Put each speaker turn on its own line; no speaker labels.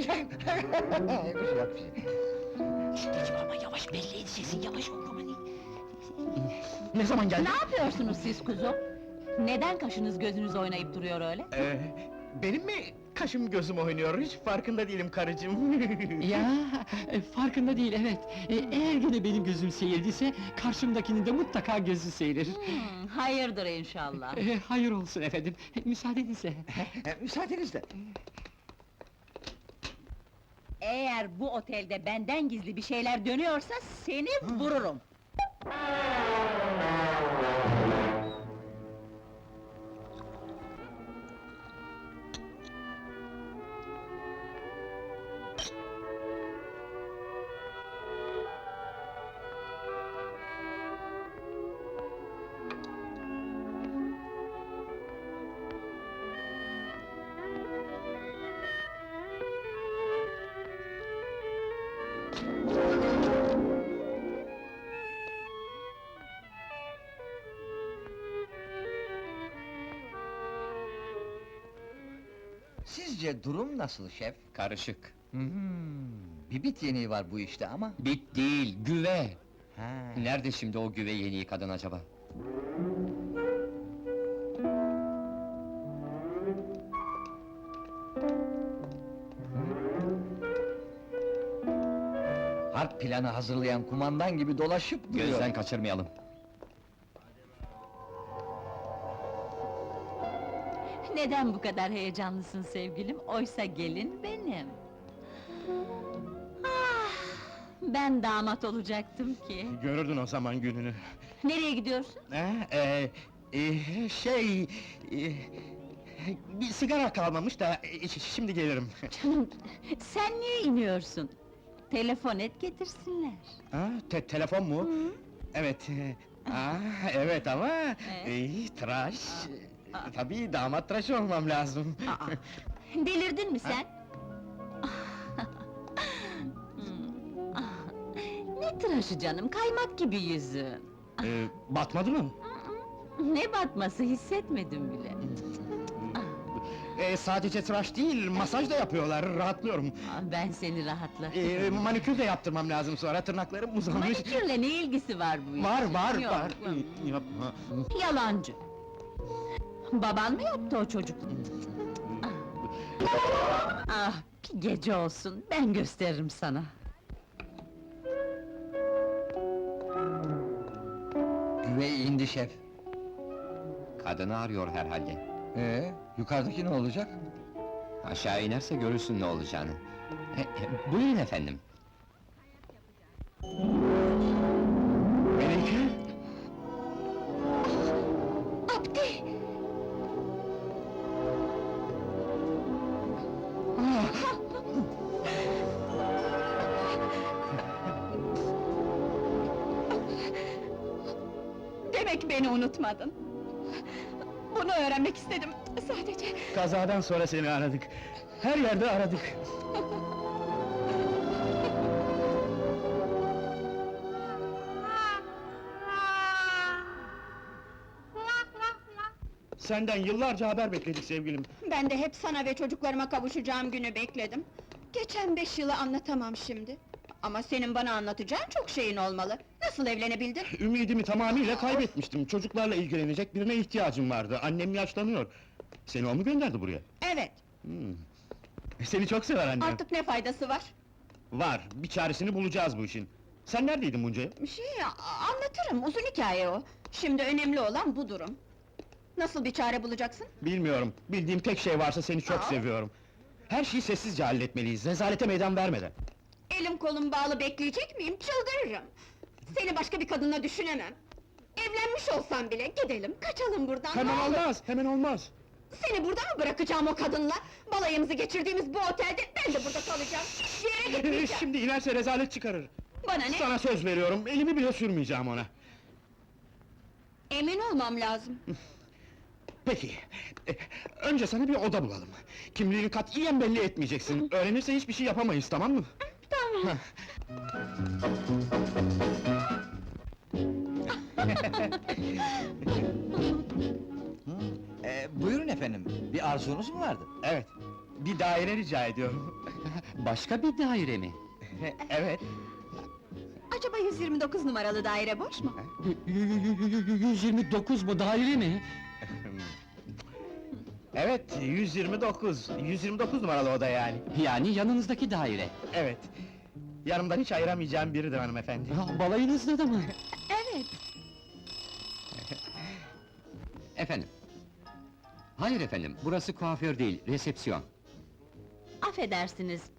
Yok bir şey.
Anneciğim ama yavaş, belli et sesin, yavaş ol aman.
Ne zaman geldin?
Ne yapıyorsunuz siz kuzum? Neden kaşınız gözünüz oynayıp duruyor öyle?
Benim mi kaşım gözüm oynuyor, hiç farkında değilim karıcığım.
Ya, farkında değil evet. Eğer gene benim gözüm seyrediyse, karşımdakinin de mutlaka gözü seyrir.
Hayırdır inşallah.
Hayır olsun efendim, müsaadenizle.
Müsaadenizle.
Eğer bu otelde benden gizli bir şeyler dönüyorsa seni vururum.
Sizce durum nasıl şef?
Karışık.
Bir bit yeniği var bu işte ama.
Bit değil, güve!
Ha.
Nerede şimdi o güve yeniği kadın acaba?
Harp planı hazırlayan kumandan gibi dolaşıp duruyor.
Gözden kaçırmayalım.
Neden bu kadar heyecanlısın sevgilim? Oysa gelin benim. Ah, ben damat olacaktım ki.
Görürdün o zaman gününü.
Nereye gidiyorsun?
Bir sigara kalmamış da, şimdi gelirim.
Canım, sen niye iniyorsun? Telefon et getirsinler.
Ha, telefon mu? Evet, evet ama... tıraş... Tabii damat tıraşı olmam lazım.
Aa, delirdin mi sen? Ne tıraşı canım, kaymak gibi yüzün.
Batmadı mı?
Ne batması hissetmedim bile.
Sadece tıraş değil, masaj da yapıyorlar, rahatlıyorum.
Ben seni rahatlatırım.
Manikür de yaptırmam lazım sonra, tırnaklarım uzamış.
Manikürle ne ilgisi var bu işin?
Var,
Yok,
var! Yapma!
Yalancı! Baban mı yaptı o çocukluğu? Ah, bir gece olsun, ben gösteririm sana.
Güvey indi şef.
Kadını arıyor herhalde.
Yukarıdaki ne olacak?
Aşağı inerse görürsün ne olacağını. Buyurun efendim.
Melike!
Abdi! Demek beni unutmadın. Bunu öğrenmek istedim, sadece.
Kazadan sonra seni aradık. Her yerde aradık. Senden yıllarca haber bekledik sevgilim.
Ben de hep sana ve çocuklarıma kavuşacağım günü bekledim. Geçen 5 yılı anlatamam şimdi. Ama senin bana anlatacağın çok şeyin olmalı. Nasıl evlenebildin?
Ümidimi tamamıyla kaybetmiştim. Çocuklarla ilgilenecek birine ihtiyacım vardı. Annem yaşlanıyor. Seni o mu gönderdi buraya?
Evet,
Seni çok sever annem.
artık ne faydası var?
Var, bir çaresini bulacağız bu işin. Sen neredeydin bunca yıl?
Anlatırım, uzun hikaye o. Şimdi önemli olan bu durum. Nasıl bir çare bulacaksın?
Bilmiyorum, bildiğim tek şey varsa seni çok seviyorum. Her şeyi sessizce halletmeliyiz, rezalete meydan vermeden.
Elim kolum bağlı bekleyecek miyim? Çıldırırım! Seni başka bir kadınla düşünemem. Evlenmiş olsam bile gidelim, kaçalım buradan,
Hemen
ne olur!
olmaz, hemen olmaz!
Seni burada mı bırakacağım o kadınla? Balayımızı geçirdiğimiz bu otelde ben de burada kalacağım! Bir yere gitmeyeceğim!
Şimdi inerse rezalet çıkarır.
Bana ne?
Sana söz veriyorum, elimi bile sürmeyeceğim ona.
Emin olmam lazım.
Peki, önce sana bir oda bulalım. Kimliğini katiyen belli etmeyeceksin. Öğrenirse hiçbir şey yapamayız, tamam mı?
Tamam.
Buyurun efendim, bir arzunuz mu vardı?
Evet, bir daire rica ediyorum.
Başka bir daire mi?
Evet.
Acaba 129 numaralı daire boş mu?
129 mu daire mi?
Evet, 129 numaralı oda yani.
Yani yanınızdaki daire.
Evet. Yanımdan hiç ayıramayacağım biridir hanımefendi.
Balayınızda da mı?
Evet.
Efendim? Hayır efendim, burası kuaför değil, resepsiyon.
Affedersiniz,